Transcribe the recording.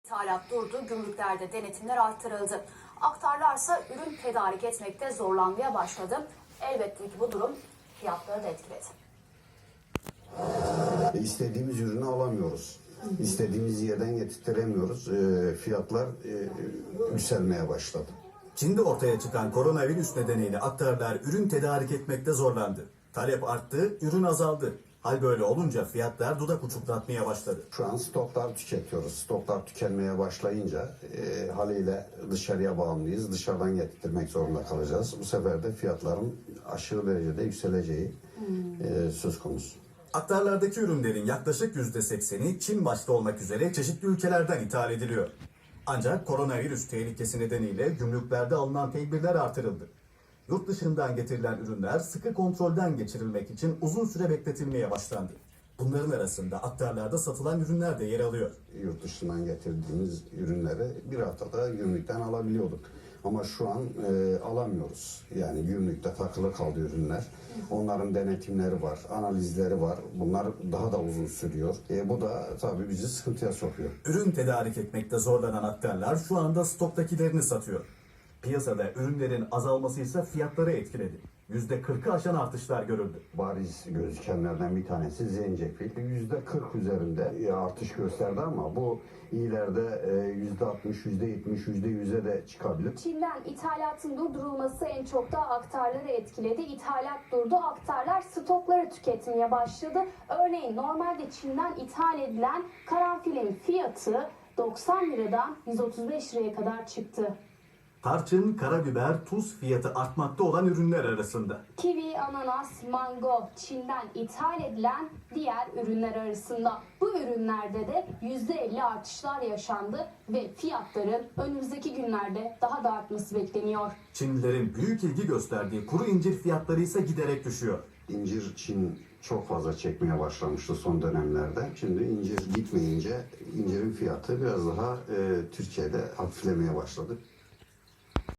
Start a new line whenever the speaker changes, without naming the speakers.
İthalat durdu, gümrüklerde denetimler arttırıldı. Aktarlarsa ürün tedarik etmekte zorlanmaya başladı. Elbette ki bu durum fiyatları da etkiledi.
İstediğimiz ürünü alamıyoruz. İstediğimiz yerden getirtiremiyoruz. Fiyatlar yükselmeye başladı.
Çin'de ortaya çıkan koronavirüs nedeniyle aktarlar ürün tedarik etmekte zorlandı. Talep arttı, ürün azaldı. Hal böyle olunca fiyatlar dudak uçuklatmaya başladı.
Şu an stoklar tüketiyoruz. Stoklar tükenmeye başlayınca haliyle dışarıya bağımlıyız. Dışarıdan getirtmek zorunda kalacağız. Bu sefer de fiyatların aşırı derecede yükseleceği söz konusu.
Aktarlardaki ürünlerin yaklaşık %80'i Çin başta olmak üzere çeşitli ülkelerden ithal ediliyor. Ancak koronavirüs tehlikesi nedeniyle gümrüklerde alınan tedbirler artırıldı. Yurt dışından getirilen ürünler sıkı kontrolden geçirilmek için uzun süre bekletilmeye başlandı. Bunların arasında aktarlarda satılan ürünler de yer alıyor.
Yurt dışından getirdiğimiz ürünleri bir haftada gümrükten alabiliyorduk. Ama şu an alamıyoruz. Yani gümrükte takılı kaldı ürünler. Onların denetimleri var, analizleri var. Bunlar daha da uzun sürüyor. Bu da tabii bizi sıkıntıya sokuyor.
Ürün tedarik etmekte zorlanan aktarlar şu anda stoktakilerini satıyor. Piyasada ürünlerin azalması ise fiyatları etkiledi. %40'ı aşan artışlar görüldü.
Bariz gözükenlerden bir tanesi zencefil. %40 üzerinde artış gösterdi ama bu ileride %60, %70, %100'e de çıkabilir.
Çin'den ithalatın durdurulması en çok da aktarları etkiledi. İthalat durdu, aktarlar stokları tüketmeye başladı. Örneğin normalde Çin'den ithal edilen karanfilin fiyatı 90 liradan 135 liraya kadar çıktı.
Tarçın, karabiber, tuz fiyatı artmakta olan ürünler arasında.
Kivi, ananas, mango Çin'den ithal edilen diğer ürünler arasında. Bu ürünlerde de %50 artışlar yaşandı ve fiyatların önümüzdeki günlerde daha da artması bekleniyor.
Çinlilerin büyük ilgi gösterdiği kuru incir fiyatları ise giderek düşüyor.
İncir Çin çok fazla çekmeye başlamıştı son dönemlerde. Şimdi incir gitmeyince incirin fiyatı biraz daha Türkiye'de hafiflemeye başladı.